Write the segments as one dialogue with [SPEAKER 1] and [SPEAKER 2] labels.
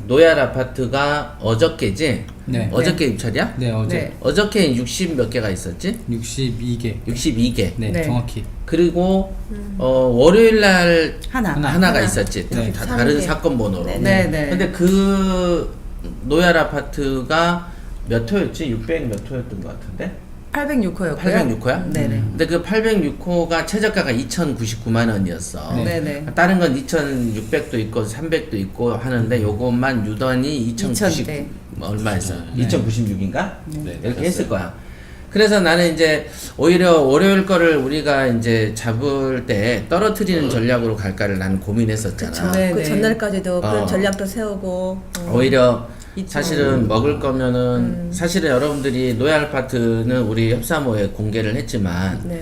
[SPEAKER 1] 노얄 아파트가 어저께지?
[SPEAKER 2] 네.
[SPEAKER 1] 어저께 입찰이야?
[SPEAKER 2] 네, 어제
[SPEAKER 3] 네.
[SPEAKER 1] 어저께 60 몇 개가 있었지?
[SPEAKER 2] 62개.
[SPEAKER 1] 62개.
[SPEAKER 2] 네,
[SPEAKER 3] 네.
[SPEAKER 2] 정확히.
[SPEAKER 1] 그리고 월요일 날
[SPEAKER 3] 하나.
[SPEAKER 1] 하나가 있었지.
[SPEAKER 2] 네.
[SPEAKER 1] 다 다른
[SPEAKER 3] 63개.
[SPEAKER 1] 사건 번호로.
[SPEAKER 3] 네, 네.
[SPEAKER 1] 근데 그 노얄 아파트가 몇 호였지? 600 몇 호였던 것 같은데?
[SPEAKER 3] 806호였고요.
[SPEAKER 1] 806호야?
[SPEAKER 3] 네네.
[SPEAKER 1] 근데 그 806호가 최저가가 2,099만 원이었어.
[SPEAKER 2] 네.
[SPEAKER 3] 네네.
[SPEAKER 1] 다른 건 2,600도 있고 300도 있고 하는데 요것만 유단히 2,090
[SPEAKER 3] 네.
[SPEAKER 1] 얼마였어?
[SPEAKER 2] 네.
[SPEAKER 1] 2,096인가?
[SPEAKER 4] 네,
[SPEAKER 1] 이렇게
[SPEAKER 4] 그랬어요.
[SPEAKER 1] 했을 거야. 그래서 나는 이제 오히려 월요일 거를 우리가 이제 잡을 때 떨어뜨리는 전략으로 갈까를 나는 고민했었잖아.
[SPEAKER 3] 그쵸.
[SPEAKER 5] 그
[SPEAKER 3] 네.
[SPEAKER 5] 전날까지도 그런
[SPEAKER 1] 어.
[SPEAKER 5] 전략도 세우고
[SPEAKER 1] 오히려
[SPEAKER 3] 있죠.
[SPEAKER 1] 사실은 먹을 거면은 사실은 여러분들이 노얄 아파트는 우리 협사모에 공개를 했지만
[SPEAKER 5] 네.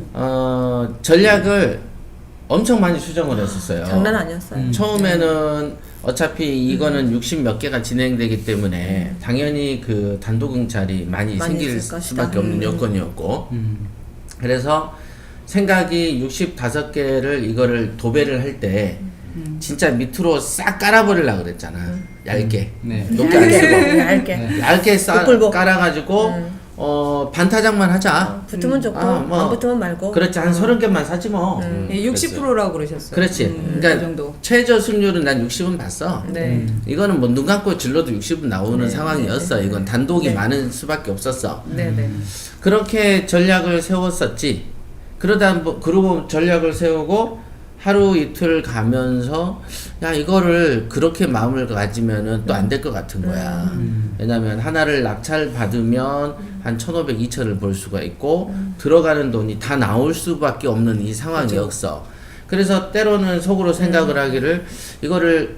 [SPEAKER 1] 전략을 엄청 많이 수정을 했었어요.
[SPEAKER 5] 장난 아니었어요.
[SPEAKER 1] 처음에는 어차피 이거는 60 몇 개가 진행되기 때문에 당연히 그 단독응찰이 많이
[SPEAKER 5] 많이
[SPEAKER 1] 생길
[SPEAKER 5] 있을 것이다.
[SPEAKER 1] 수밖에 없는 여건이었고 그래서 생각이 65개를 이거를 도배를 할 때 진짜 밑으로 싹 깔아버리려고 그랬잖아. 얇게.
[SPEAKER 2] 네.
[SPEAKER 1] 높게 안 쓰고.
[SPEAKER 5] 얇게.
[SPEAKER 1] 얇게
[SPEAKER 5] 복불복.
[SPEAKER 1] 깔아가지고 반타작만 하자.
[SPEAKER 5] 붙으면 좋고
[SPEAKER 1] 뭐.
[SPEAKER 5] 안 붙으면 말고.
[SPEAKER 1] 그렇지 한 30개만 사지 뭐.
[SPEAKER 3] 예, 60%라고 그러셨어요.
[SPEAKER 1] 그렇지.
[SPEAKER 3] 그
[SPEAKER 1] 그러니까
[SPEAKER 3] 정도.
[SPEAKER 1] 최저 승률은 난 60은 봤어.
[SPEAKER 3] 네.
[SPEAKER 1] 이거는 뭐 눈 감고 질러도 60은 나오는 상황이었어. 이건 단독이
[SPEAKER 5] 네.
[SPEAKER 1] 많을 수밖에 없었어.
[SPEAKER 3] 네네.
[SPEAKER 1] 그렇게 전략을 세웠었지. 그러고 전략을 세우고 하루 이틀 가면서 야 이거를 그렇게 마음을 가지면은 또 안 될 것 같은 거야. 왜냐면 하나를 낙찰 받으면 한 1,500, 2,000을 벌 수가 있고 들어가는 돈이 다 나올 수밖에 없는 이 상황이었어. 그래서 때로는 속으로 생각을 하기를 이거를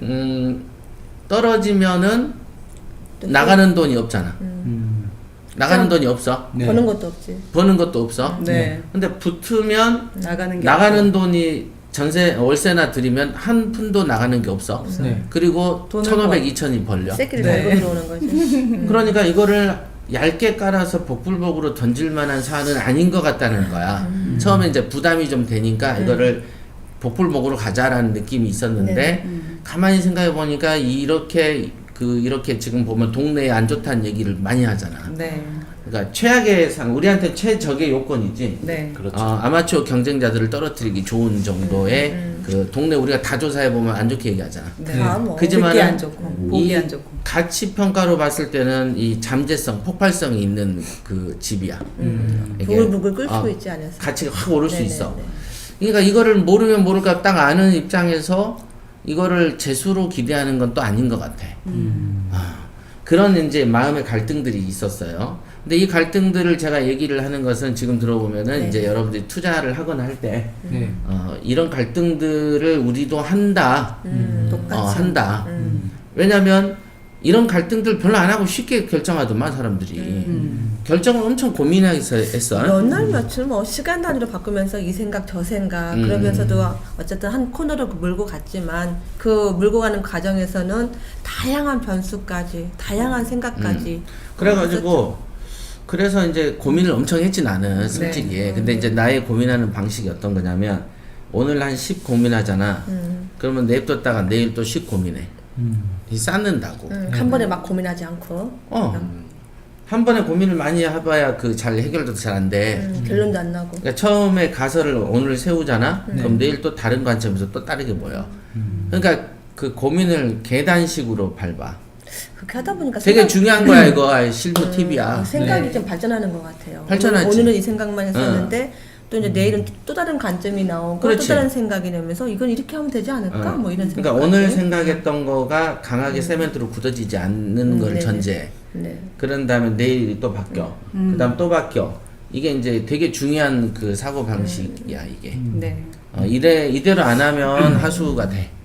[SPEAKER 1] 떨어지면은 나가는 돈이 없잖아. 나가는 돈이 없어.
[SPEAKER 2] 네.
[SPEAKER 5] 버는 것도 없지.
[SPEAKER 1] 버는 것도 없어.
[SPEAKER 3] 네.
[SPEAKER 1] 근데 붙으면
[SPEAKER 3] 나가는 게
[SPEAKER 1] 나가는 돈이 월세나 들이면 한 푼도 나가는 게 없어.
[SPEAKER 2] 네.
[SPEAKER 1] 그리고
[SPEAKER 3] 돈을
[SPEAKER 1] 1,500,
[SPEAKER 3] 번-
[SPEAKER 1] 2,000이 벌려.
[SPEAKER 5] 새끼를
[SPEAKER 3] 네.
[SPEAKER 5] 달고 들어오는 거지.
[SPEAKER 1] 그러니까 이거를 얇게 깔아서 복불복으로 던질 만한 사안은 아닌 것 같다는 거야. 처음에 이제 부담이 좀 되니까 이거를 복불복으로 가자라는 느낌이 있었는데
[SPEAKER 5] 네.
[SPEAKER 1] 가만히 생각해 보니까 이렇게 지금 보면 동네에 안 좋다는 얘기를 많이 하잖아.
[SPEAKER 3] 네.
[SPEAKER 1] 그러니까 최악의 우리한테 최적의 요건이지.
[SPEAKER 3] 네.
[SPEAKER 4] 그렇죠.
[SPEAKER 1] 아마추어 경쟁자들을 떨어뜨리기 좋은 정도의 그 동네 우리가 다 조사해 보면 안 좋게 얘기하잖아.
[SPEAKER 3] 네.
[SPEAKER 5] 다 뭐.
[SPEAKER 1] 그지만은
[SPEAKER 3] 듣기 안 좋고 보기
[SPEAKER 1] 이
[SPEAKER 3] 안 좋고.
[SPEAKER 1] 가치 평가로 봤을 때는 이 잠재성, 폭발성이 있는 그 집이야. 이게,
[SPEAKER 5] 부글부글 끓 수 있지 않았어.
[SPEAKER 1] 가치가 확 오를 수
[SPEAKER 5] 네네네.
[SPEAKER 1] 있어. 그러니까 이거를 모르면 모를까 딱 아는 입장에서 이거를 재수로 기대하는 건 또 아닌 것 같아. 그런 이제 마음의 갈등들이 있었어요. 근데 이 갈등들을 제가 얘기를 하는 것은 지금 들어보면은
[SPEAKER 5] 네.
[SPEAKER 1] 이제 여러분들이 투자를 하거나 할 때
[SPEAKER 2] 네.
[SPEAKER 1] 이런 갈등들을 우리도 한다.
[SPEAKER 5] 똑같이.
[SPEAKER 1] 한다. 왜냐면 이런 갈등들 별로 안 하고 쉽게 결정하더만 사람들이. 결정을 엄청 고민해서 했어.
[SPEAKER 5] 몇 날 며칠 뭐 시간 단위로 바꾸면서 이 생각 저 생각 그러면서도 어쨌든 한 코너로 몰고 갔지만 그 몰고 가는 과정에서는 다양한 변수까지 다양한 생각까지
[SPEAKER 1] 그래가지고 그래서 이제 고민을 엄청 했지 나는 솔직히. 근데 이제 나의 고민하는 방식이 어떤 거냐면 오늘 한 10 고민하잖아. 그러면 냅뒀다가 내일 또 10 고민해. 이 쌓는다고.
[SPEAKER 5] 한 번에 막 고민하지 않고
[SPEAKER 1] 한 번에 고민을 많이 해봐야 그 잘 해결도 잘 안 돼.
[SPEAKER 5] 결론도 안 나고.
[SPEAKER 1] 그러니까 처음에 가설을 오늘 세우잖아. 그럼 내일 또 다른 관점에서 또 다르게 보여. 그러니까 그 고민을 계단식으로 밟아.
[SPEAKER 5] 그렇게 하다 보니까
[SPEAKER 1] 되게 중요한 거야 이거. 실무 팁이야.
[SPEAKER 5] 생각이
[SPEAKER 3] 네.
[SPEAKER 5] 좀 발전하는 것 같아요.
[SPEAKER 1] 발전하지.
[SPEAKER 5] 오늘은 이 생각만 했었는데 또 이제 내일은 또 다른 관점이 나오고
[SPEAKER 1] 그렇지.
[SPEAKER 5] 또 다른 생각이 나면서 이건 이렇게 하면 되지 않을까? 뭐 이런 생각.
[SPEAKER 1] 그러니까 오늘 생각했던 거가 강하게 세멘트로 굳어지지 않는 걸
[SPEAKER 5] 네네.
[SPEAKER 1] 전제해.
[SPEAKER 5] 네.
[SPEAKER 1] 그런 다음에 내일이 또 바뀌어. 그 다음 또 바뀌어. 이게 이제 되게 중요한 그 사고 방식이야 이게.
[SPEAKER 3] 네.
[SPEAKER 1] 이대로 안 하면 하수가 돼.